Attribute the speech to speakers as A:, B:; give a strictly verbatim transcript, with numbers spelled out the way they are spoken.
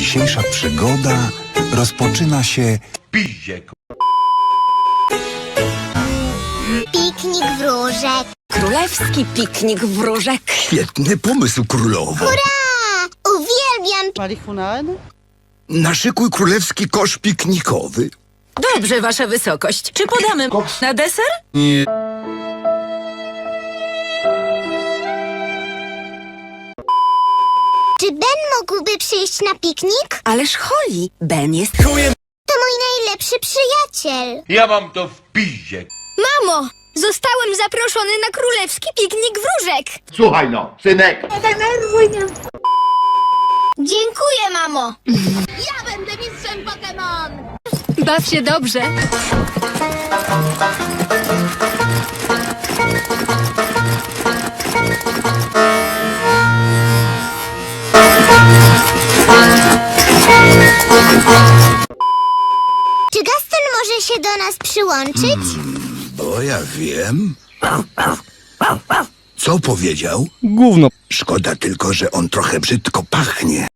A: dzisiejsza przygoda rozpoczyna się...
B: Piździe,
C: Piknik wróżek.
D: Królewski piknik wróżek.
E: Świetny pomysł, królowo.
C: Hurra! Uwielbiam
F: Marihuana?
E: Naszykuj królewski kosz piknikowy.
D: Dobrze, wasza wysokość. Czy podamy na deser?
E: Nie.
C: Czy Ben mógłby przyjść na piknik?
D: Ależ Holly, Ben jest...
C: To mój najlepszy przyjaciel.
B: ja mam to w piździe.
C: Mamo, zostałem zaproszony na królewski piknik wróżek.
B: Słuchaj no, synek.
C: Dziękuję, mamo. Ja będę mistrzem Pokémon.
G: Baw się dobrze.
C: Czy Gaston może się do nas przyłączyć?
E: Bo ja wiem. Co powiedział?
H: Gówno.
E: Szkoda tylko, że on trochę brzydko pachnie.